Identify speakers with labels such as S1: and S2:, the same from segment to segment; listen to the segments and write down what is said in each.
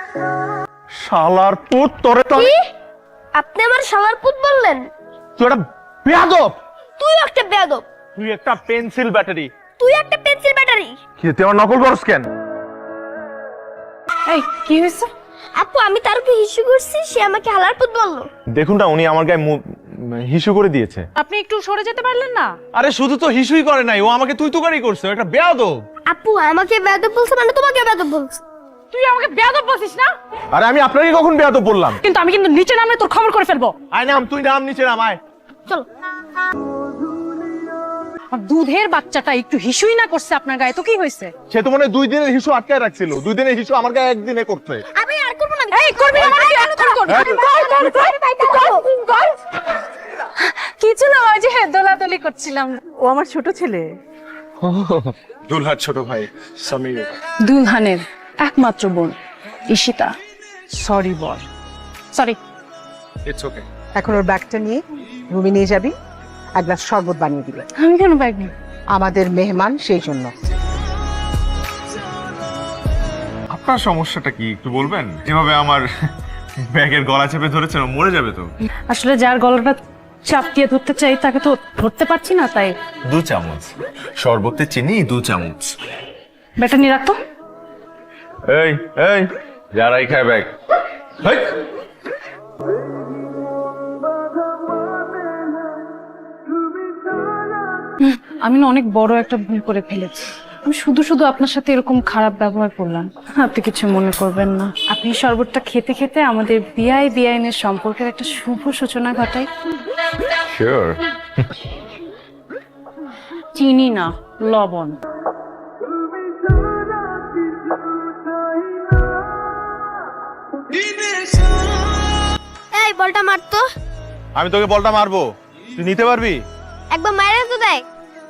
S1: শালার পুত তোরে তো
S2: কি? আপনি আমার শালার পুত বললেন?
S1: তুই একটা বেয়াদব,
S2: তুই একটা বেয়াদব,
S1: তুই একটা পেন্সিল ব্যাটারি।
S2: তুই একটা পেন্সিল ব্যাটারি।
S1: কি তুই আমার নকল করছ কেন?
S3: এই কি হয়েছে?
S2: আপু আমি তার উপর হিসু করছি, সে আমাকে হালার পুত বললো।
S1: দেখুন না, উনি আমার গায়ে হিসু করে দিয়েছে।
S3: আপনি একটু সরে যেতে পারলেন না?
S1: আরে শুধু তো হিসুই করে নাই, ও আমাকে তুই তুকারি করছে, ও একটা বেয়াদব।
S2: আপু আমাকে বেয়াদব বলছে মানে তোমাকে বেয়াদব বলছে।
S3: তুই আমাকে বেয়াদব বলছিস না?
S1: আরে আমি আপনাকে কখন বেয়াদব বললাম?
S3: কিন্তু আমি কিন্তু নিচে নামলে তোর খবর করে ফেলবো।
S1: আয় নাম, তুই নাম নিচে নাম, আয়।
S2: চলো।
S3: আর দুধের বাচ্চাটা একটু হিসুই না করছে আপনার গায়ে তো কি হয়েছে?
S1: সে তো মনে হয় 2 দিনের হিসু আটকায় রাখছিল, 2 দিনের হিসু আমার গায়ে একদিনে করতে।
S2: আমি আর করব না।
S3: এই করবি না মানে কি? আর করবি? কিছু না, ওই যে দোলাদলি করছিলাম। ও আমার ছোট ছেলে,
S1: দুলহার ছোট ভাই সমীর।
S3: দুলহানের একমাত্র বোন ঈশিতা। সরি বল। সরি।
S1: It's okay.
S4: এখন ওর ব্যাগটা নিয়ে রুমে নিয়ে যাবি, এক গ্লাস শরবত বানিয়ে দিবে।
S3: আমি কেন ব্যাগ নিই?
S4: আমাদের মেহমান সেই জন্য।
S1: আপনার সমস্যাটা কি একটু বলবেন? যেভাবে আমার ব্যাগের গলা চেপে ধরেছেন, ও মরে যাবে তো।
S3: আসলে যার গলাটা চাপটিয়ে ধরতে চাই তাকে তো ধরতে পারছি না, তাই
S1: 2 চামচ শরবতে চিনি, 2 চামচ।
S3: ব্যাগটা নিয়ে রাখতো।
S1: এই এই যারাই খায় ব্যাগ। হেই!
S3: আমি না অনেক বড় একটা ভুল করে ফেলেছি। আমি শুধু শুধু আপনার সাথে এরকম খারাপ ব্যবহার করলাম। আপনি কিছু মনে করবেন না। আপনি শরবতটা খেতে খেতে আমাদের বেআইনের সম্পর্কের একটা শুভ সূচনা ঘটাই।
S1: শিওর।
S3: চিনি না, লবণ।
S2: এই বলটা মারতো।
S1: আমি তোকে বলটা মারবো, তুই নিতে পারবি?
S2: একবার মাইরে তো দেখ।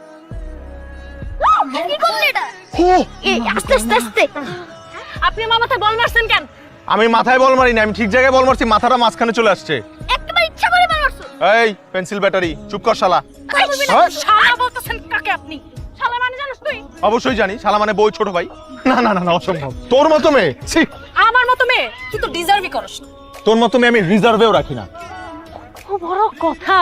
S2: কি করলি এটা? এই আস্তে আস্তে আস্তে।
S3: আপনি আমার মাথায় বল মারছেন কেন?
S1: আমি মাথায় বল মারি না, আমি ঠিক জায়গায় বল মারছি, মাথাটা মাঝখানে চলে আসছে।
S2: একবার ইচ্ছা করে মারছো।
S1: এই পেন্সিল ব্যাটারি, চুপ কর শালা।
S3: এই, শালা বলতেছেন কাকে আপনি? শালা মানে জানিস তুই?
S1: অবশ্যই জানি, শালা মানে বউ ছোট ভাই। না না না না, অসম্ভব। তোর মতো মেয়ে, ছি।
S3: আমার মতো মেয়ে তুই তো ডিজার্ভই করস না।
S1: তোর মতো মেয়ে আমি রিজার্ভেও রাখি না।
S3: খুব বড় কথা।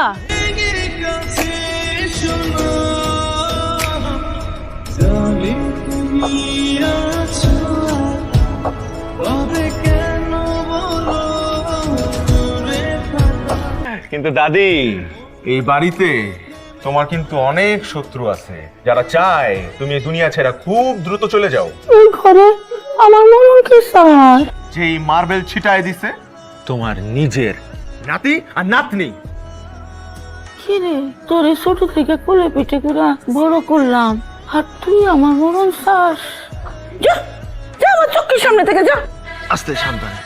S1: কিন্তু দাদি, এই বাড়িতে তোমার কিন্তু অনেক শত্রু আছে, যারা চায় তুমি এই দুনিয়া ছেড়ে খুব দ্রুত চলে যাও।
S5: এই ঘরে আমার মরণ কি স্যার?
S1: যে এই মার্বেল ছিটায় দিছে তোমার নিজের নাতি আর নাতনি।
S5: কিরে তোরে ছোট থেকে কোলে পিঠে করে বড় করলাম, আর তুই আমার মরণ চাস? যা যা আমার চোখের সামনে থেকে যা।
S1: আস্তে সাবধানে।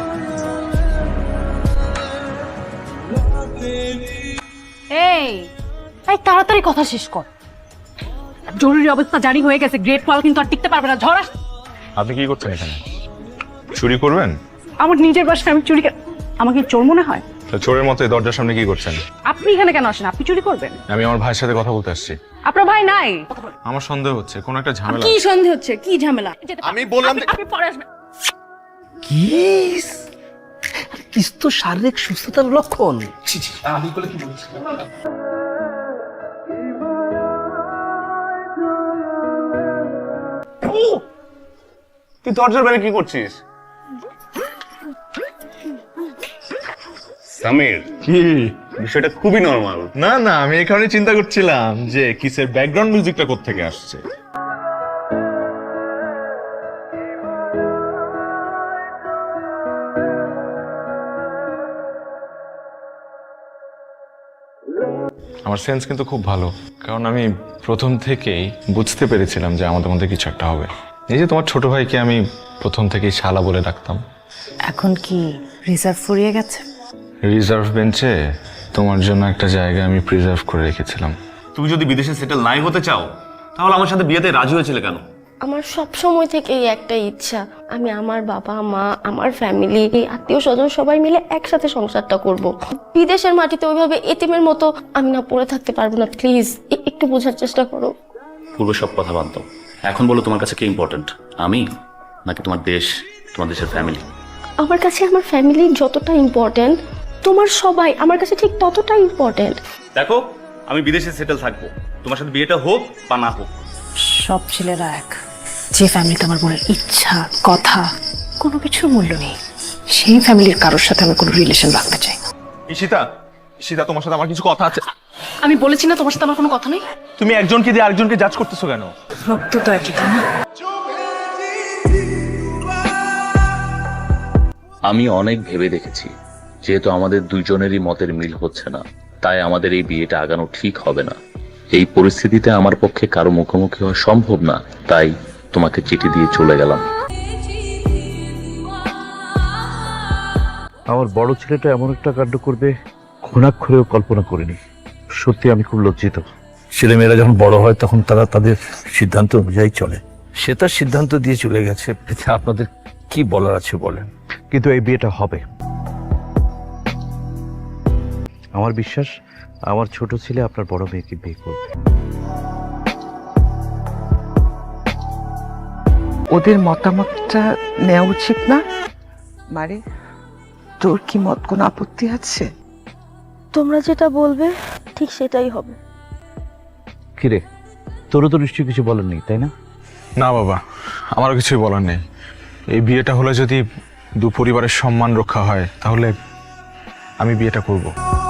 S3: এই এই তাড়াতাড়ি কথা শেষ কর। জরুরি অবস্থা জারি হয়ে গেছে, গ্রেট ওয়াল কিন্তু আর টিকতে পারবে না। ঝড় আস।
S1: আপনি কি করছেন এখানে? চুরি করবেন?
S3: আমার নিজের বাসায় আমি চুরি আমাকে চোর মনে হয়?
S1: তো চোরের মতো এই দরজার সামনে কি করছেন?
S3: আপনি এখানে কেন আসেন? আপনি চুরি করবেন?
S1: আমি আমার ভাইয়ের সাথে কথা বলতে আসছি।
S3: আপনার ভাই নাই?
S1: আমার সন্দেহ হচ্ছে কোন একটা ঝামেলা।
S3: কি সন্দেহ হচ্ছে? কি ঝামেলা?
S1: আমি বললাম
S3: আপনি পরে আসবেন।
S6: কিস কিস তো শারীরিক সুস্থতার লক্ষণ।
S1: তুই দরজার বাইরে কি করছিস?
S7: সামির,
S1: কি
S7: বিষয়টা খুবই নরমাল।
S1: না না, আমি এই কারণে চিন্তা করছিলাম যে কিসের ব্যাকগ্রাউন্ড মিউজিকটা কোত্থেকে আসছে। আমার সেন্স কিন্তু খুব ভালো, কারণ আমি প্রথম থেকেই বুঝতে পেরেছিলাম যে আমাদের মধ্যে কিছু একটা হবে। এই যে তোমার ছোট ভাইকে আমি প্রথম থেকেই শালা বলে ডাকতাম।
S3: এখন কি রিজার্ভ ফুরিয়ে গেছে?
S1: রিজার্ভ বেঞ্চে তোমার জন্য একটা জায়গা আমি প্রিজার্ভ করে রেখেছিলাম।
S7: তুমি যদি বিদেশে সেটেল নাই হতে চাও, তাহলে আমার সাথে বিয়েতে রাজি হয়েছিলে কেন?
S2: আমার সব সময় থেকেই একটা ইচ্ছা, আমি আমার বাবা মা আমার ফ্যামিলি আত্মীয় স্বজন সবাই মিলে একসাথে সংসারটা করব। বিদেশের মাটিতে ওইভাবে এতিমের মতো আমি না পড়ে থাকতে পারবো না। প্লিজ একটু বোঝার চেষ্টা করো।
S7: পূর্বে সব কথা বাদ দাও, এখন বলো তোমার কাছে কি ইম্পর্টেন্ট, আমি নাকি তোমার দেশ, তোমার দেশের ফ্যামিলি?
S2: আমার কাছে আমার ফ্যামিলি যতটা ইম্পর্ট্যান্ট, তোমার সবাই আমার কাছে ঠিক ততটা ইম্পর্ট্যান্ট।
S7: দেখো, আমি বিদেশে সেটেল থাকবো, তোমার সাথে বিয়েটা হোক বা না হোক।
S3: সব ছেলেরা এক। যে ফ্যামিলিতে আমার বোনের ইচ্ছা, কথা, কোনো কিছুর মূল্য নেই, সেই ফ্যামিলির কারোর সাথে আমি কোনো রিলেশন রাখতে চাই না।
S1: ঈশিতা, ঈশিতা, তোমার সাথে আমার কিছু কথা আছে।
S3: আমি বলেছি না তোমার সাথে আমার কোনো কথা নেই।
S1: তুমি একজনকে দিয়ে আরেকজনকে জাজ করতেছো কেন?
S3: রক্ত তো একই, তাই না?
S8: আমি অনেক ভেবে দেখেছি, যেহেতু আমাদের দুইজনেরই মতের মিল হচ্ছে না, তাই আমাদের এই বিয়েটা আগানো ঠিক হবে না। এই পরিস্থিতিতে আমার পক্ষে কারো মুখোমুখি হওয়া সম্ভব না, তাই তোমাকে চিঠি দিয়ে চলে গেলাম।
S9: আমার বড় ছেলেটা এমন একটা কাণ্ড করবে ঘুণাক্ষরেও কল্পনা করিনি। সত্যি আমি খুব লজ্জিত। ছেলেমেয়েরা যখন বড় হয় তখন তারা তাদের সিদ্ধান্ত অনুযায়ী চলে। সে তার সিদ্ধান্ত দিয়ে চলে গেছে, এতে আপনাদের কি বলার আছে বলেন। কিন্তু এই বিয়েটা হবে। আমার বিশ্বাস আমার ছোট ছেলে আপনার বড় মেয়েকে বিয়ে করবে।
S10: ওদের মতামতটা নেওয়া উচিত না? মানে তোর কি মত কোনো আপত্তি আছে?
S2: তোমরা যেটা বলবে ঠিক সেটাই হবে।
S9: কিরে, তোরও তো নিশ্চয়ই কিছু বলার নেই, তাই না?
S1: না বাবা, আমারও কিছুই বলার নেই। এই বিয়েটা হলে যদি দু পরিবারের সম্মান রক্ষা হয়, তাহলে আমি বিয়েটা করব।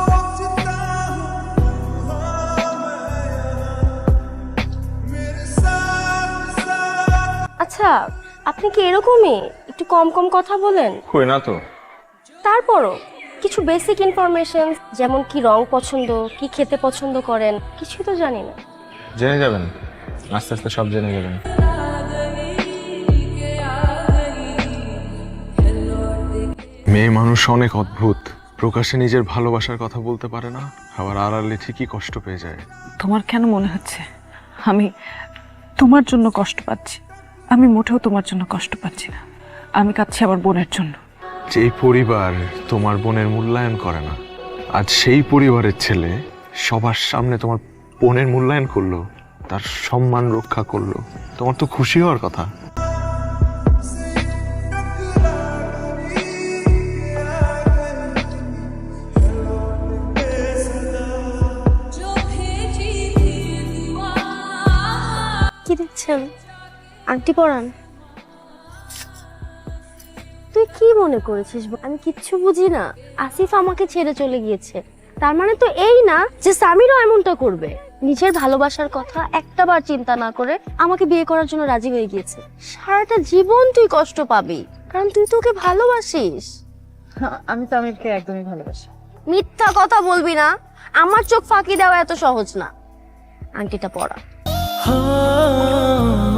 S2: আচ্ছা, আপনি কি এরকমই একটু কম কম কথা বলেন?
S1: কই না তো।
S2: তারপরও কিছু বেসিক ইনফরমেশন, যেমন কি রং পছন্দ, কি খেতে পছন্দ করেন, কিছুই তো জানি না।
S1: জেনে যাবেন, আস্তে আস্তে সব জেনে যাবেন। মেয়ে মানুষ অনেক অদ্ভুত, প্রকাশ্যে নিজের ভালোবাসার কথা বলতে পারে না, আবার আড়ালে ঠিকই কষ্ট পেয়ে যায়।
S3: তোমার কেন মনে হচ্ছে আমি তোমার জন্য কষ্ট পাচ্ছি? আমি মোটেও তোমার জন্য কষ্ট পাচ্ছি না, আমি কাঁদছি আমার বোনের জন্য।
S1: যেই পরিবার তোমার বোনের মূল্যায়ন করে না, আজ সেই পরিবারের ছেলে সবার সামনে তোমার বোনের মূল্যায়ন করলো, তার সম্মান রক্ষা করলো। তোমার তো খুশি হওয়ার কথা।
S2: কি দেখছেন? আংটি পরান। তুই কি মনে করেছিস আমি কিচ্ছু বুঝি না? আসিফ আমাকে ছেড়ে চলে গিয়েছে, তার মানে তো এই না যে সামিরও এমনটা করবে। নিজের ভালোবাসার কথা একটাবার চিন্তা না করে আমাকে বিয়ে করার জন্য রাজি হয়ে গিয়েছে। সারাটা জীবন তুই কষ্ট পাবি, কারণ তুই তো ওকে ভালোবাসিস।
S3: আমি তো আমিরকে একদমই ভালোবাসি।
S2: মিথ্যা কথা বলবি না, আমার চোখ ফাঁকি দেওয়া এত সহজ না। আংটিটা পরা।